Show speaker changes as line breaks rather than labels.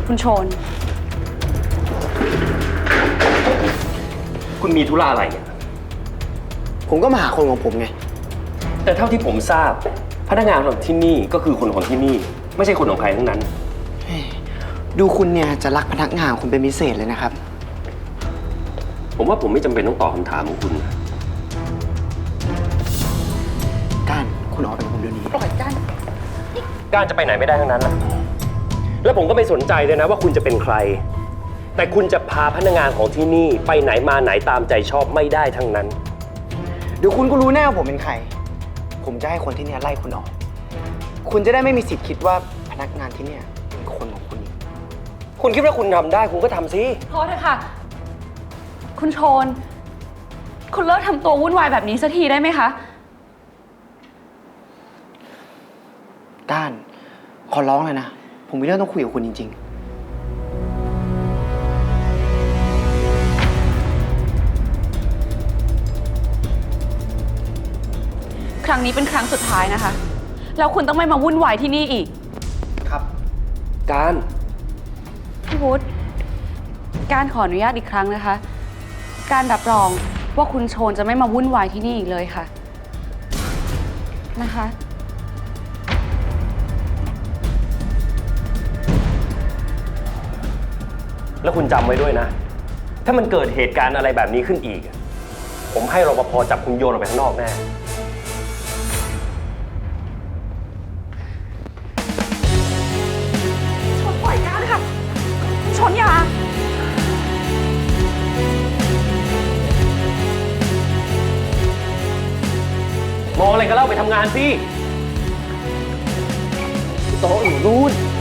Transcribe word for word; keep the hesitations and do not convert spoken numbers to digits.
คุณโชน
คุณมีธุระอะไรเนี่ย
ผมก็มาหาคนของผมไง
แต่เท่าที่ผมทราบพนักงานของที่นี่ก็คือคนของที่นี่ไม่ใช่คนของใครทั้งนั้น
ดูคุณเนี่ยจะรักพนักงานคุณเป็นพิเศษเลยนะครับ
ผมว่าผมไม่จำเป็นต้องตอบคำถามของคุณ
ก้านคุณออกไปกับผมเดี๋ยวนี้
ปล่อยก้าน
ก้านจะไปไหนไม่ได้ทั้งนั้นแหละแล้วผมก็ไม่สนใจเลยนะว่าคุณจะเป็นใครแต่คุณจะพาพนักงานของที่นี่ไปไหนมาไหนตามใจชอบไม่ได้ทั้งนั้น
เดี๋ยวคุณก็รู้แน่ว่าผมเป็นใครผมจะให้คนที่เนี่ยไล่คุณออกคุณจะได้ไม่มีสิทธิ์คิดว่าพนักงานที่เนี่ยเป็นคนของคุณอีก
คุณคิดว่าคุณทำได้คุณก็ทำสิ
พอเถอะค่ะคุณโชนคุณเลิกทำตัววุ่นวายแบบนี้สักทีได้ไหมคะ
ก้านขอร้องเลยนะผมมีเรื่องต้องคุยกับคุณจริง
ๆครั้งนี้เป็นครั้งสุดท้ายนะคะแล้วคุณต้องไม่มาวุ่นวายที่นี่อีก
ครับ
การ
พี่วุฒิการขออนุญาตอีกครั้งนะคะการรับรองว่าคุณโชนจะไม่มาวุ่นวายที่นี่อีกเลยค่ะนะคะ
แล้วคุณจำไว้ด้วยนะถ้ามันเกิดเหตุการณ์อะไรแบบนี้ขึ้นอีกผมให้รปภจับคุณโยนออกไปข้างนอกแน่
ชนปล่อยก้านค่ะชนยาม
องอะไรก็เล่าไปทำงานสิ
โต๊ะอยู่นู่น